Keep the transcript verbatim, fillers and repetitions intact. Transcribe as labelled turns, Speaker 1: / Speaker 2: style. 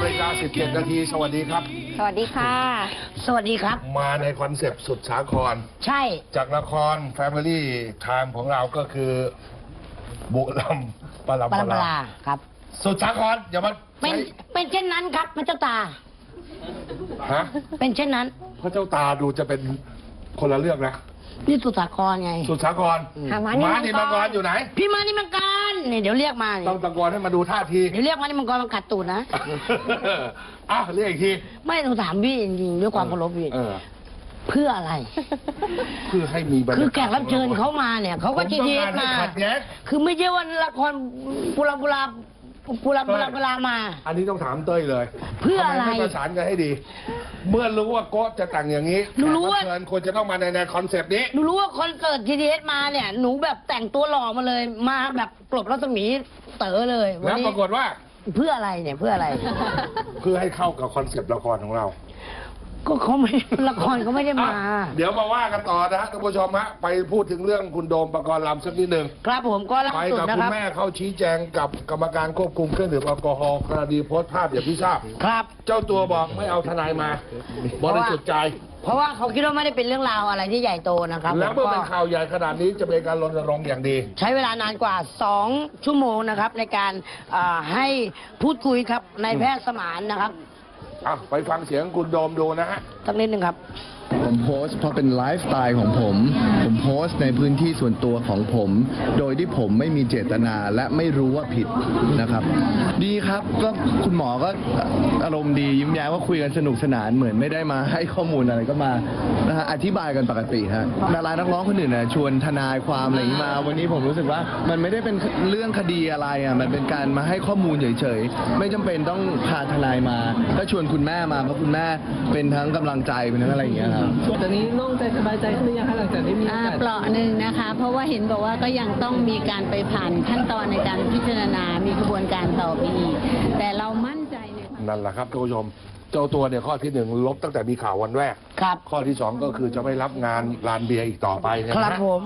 Speaker 1: ฬิกาสิบเจ็ดนาทีสวัสดีครับ
Speaker 2: สวัสดีค่ะสวัสดีครับ
Speaker 1: มาในคอนเซปต์สุดสาคร
Speaker 2: ใช่
Speaker 1: จากละคร Family Time ของเราก็คือบุรัมปรำปรา
Speaker 2: ครับ
Speaker 1: สุดสาครอย่ามา
Speaker 2: เป็นเป็นเช่นนั้นครับพระเจ้าตา
Speaker 1: ฮะ
Speaker 2: เป็นเช่นนั้น
Speaker 1: พระเจ้าตาดูจะเป็นคนละเรื่องนะ
Speaker 2: นี่สุดสาครไง
Speaker 1: สุดสาครม้านี่มังกรอยู่ไหน
Speaker 2: พี่ม้านี่มังกรนี่เดี๋ยวเรียกมา
Speaker 1: ต้องตะโกนให้มาดูท่าที
Speaker 2: เดี๋ยวเรียกมานี่มังกรมันกัดตูดนะ
Speaker 1: อ้าวเรียกอีกที
Speaker 2: ไม่ต้องถามพี่จริงๆด้วยความเคารพพี่เพื่ออะไร
Speaker 1: เพื่อให้มี
Speaker 2: คือแขกรับเชิญเขามาเนี่ยเขาก็จีเอสมาคือไม่ใช่ว่าละครบุราบุราบุราบุราบุรามา
Speaker 1: อันนี้ต้องถามเต้ยเลย
Speaker 2: เพื่ออะไร
Speaker 1: ไม่ประสานกันให้ดีเมื่อรู้ว่าโก๊จะแต่งอย่างนี้
Speaker 2: หนูรู้ว่า
Speaker 1: เชิญควรจะต้องมาในในคอนเซปต์นี้
Speaker 2: หนูรู้ว่าคอนเสิร์ตจีเอสมาเนี่ยหนูแบบแต่งตัวหล่อมาเลยมาแบบกลบรัศมีเต๋อเลย
Speaker 1: แล้วปรากฏว่า
Speaker 2: เพื่ออะไรเนี่ยเพื่ออะไร
Speaker 1: เพื่อให้เข้ากับคอนเซปต์ละครของเรา
Speaker 2: ก็เขาไม่ละครเขาไม่ได้มา
Speaker 1: เดี๋ยวมาว่ากันต่อนะฮะท่านผู้ชมฮะไปพูดถึงเรื่องคุณโดมปกรณ์ลำสักนิดหนึ่ง
Speaker 2: ครับผมก็ล่าสุดนะครับไปกับ
Speaker 1: คุณแม่เข้าชี้แจงกับกรรมการควบคุมเครื่องดื่มแอลกอฮอล์กรณีโพสต์ภาพอย่างที่ทราบ
Speaker 2: ครับ
Speaker 1: เจ้าตัวบอกไม่เอาทนายมาบริสุทธิ์ใจ
Speaker 2: เพราะว่าเขาคิดว่าไม่ได้เป็นเรื่องราวอะไรที่ใหญ่โตนะครับ
Speaker 1: แล้วเมื่อเป็นข่าวใหญ่ขนาดนี้จะเป็นการรณรงค์อย่างดี
Speaker 2: ใช้เวลานานกว่าสองชั่วโมงนะครับในการให้พูดคุยครับนายแพทย์สมานนะครับ
Speaker 1: อ่ะไปฟังเสียงคุณโดมดูนะฮะ
Speaker 2: สักนิดหนึ่งครับ
Speaker 3: ผมโพสต์เพราะเป็นไลฟ์สไตล์ของผม ผมโพสต์ในพื้นที่ส่วนตัวของผม โดยที่ผมไม่มีเจตนาและไม่รู้ว่าผิดนะครับ ดีครับก็คุณหมอก็อารมณ์ดียิ้มแย้มว่าคุยกันสนุกสนานเหมือนไม่ได้มาให้ข้อมูลอะไรก็มานะฮะอธิบายกันปกติฮะดารานักร้องคนอื่นนะชวนทนายความอะไรอย่างนี้มาวันนี้ผมรู้สึกว่ามันไม่ได้เป็นเรื่องคดีอะไรอ่ะมันเป็นการมาให้ข้อมูลเฉยๆไม่จำเป็นต้องพาทนายมาก็ชวนคุณแม่มาเพราะคุณแม่เป็นทั้งกำลังใจเป็นทั้งอะไรอย่างเงี้ย
Speaker 4: ตอนนี้โล่งใจสบายใจขึ้นหรือยังคะหลังจากที่มี
Speaker 5: เปราะหนึ่งนะคะเพราะว่าเห็นบอกว่าก็ยังต้องมีการไปผ่านขั้นตอนในการพิจารณามีกระบวนการต่อไปอีกแต่เรามั่นใจใน
Speaker 1: นั่นแหละครับท่านผู้ชมเจ้าตัวเนี่ยข้อที่หนึ่งลบตั้งแต่มีข่าววันแรก
Speaker 2: ครับ
Speaker 1: ข้อที่สองก็คือจะไม่รับงานลานเบียร์อีกต่อไป
Speaker 2: ครับผม